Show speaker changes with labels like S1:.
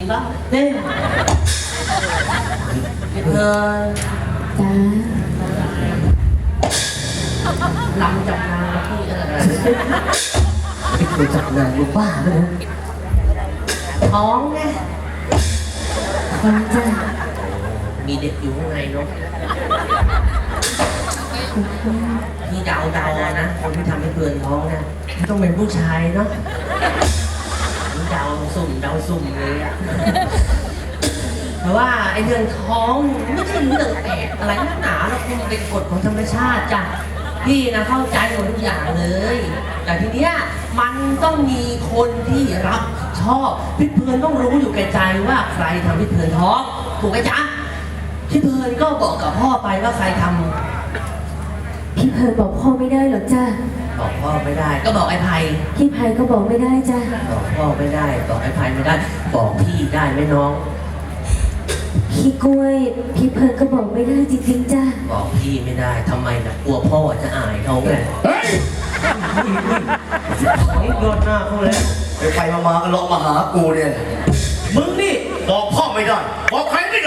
S1: ก็เล่นเพื่อน
S2: จ้า
S1: ลำจับนางที่อะไร
S3: ไม่เคยจับนางลูกบ้าเลยนะ
S1: ท้องไง
S2: ฟังจ้า
S1: มีเด็กอยู่ข้างในเนาะพี่เดานะคนที่ทำให้เพื่อนท้องนะต้องเป็นผู้ชายเนาะนี่เดาสุ่มเลยอะแต่ว่าไอ้เรื่องท้องไม่ใช่เรื่องแปลกอะไรนักหนาหรอกมันเป็นกฎของธรรมชาติจ้ะพี่นะเข้าใจหมดทุกอย่างเลย แต่ทีเนี้ยมันต้องมีคนที่รับผิดชอบพี่เพลินต้องรู้อยู่แก่ใจว่าใครทำพี่เพลินท้องถูกไหมจ๊ะพี่เพลินก็บอกกับพ่อไปว่าใครทำ
S2: พี่เพลินบอกพ่อไม่ได้หรอกจ้า
S1: บอกพ่อไม่ได้ ก็บอกไอ้ไผ่
S2: พี่ไพก็บอกไม่ได้จ้า
S1: บอกพ่อไม่ได้บอกไอ้ไผ่ไม่ได้ บอกพี่ได้ไหมน้อง
S2: พี่กล้วยพี่เพลินก็บอกไม่ได้จริงๆจ้า
S1: บอกพี่ไม่ได้ทำไมล่ะกลัวพ่อจะอายเขาไง
S3: เฮ้ย
S1: โยนหน้าเขาแล้ว
S3: ไปมาก็เลาะมาหากูเนี่ย
S4: มึงนี่บอกพ่อไม่ได้ บอกใครไม่ได้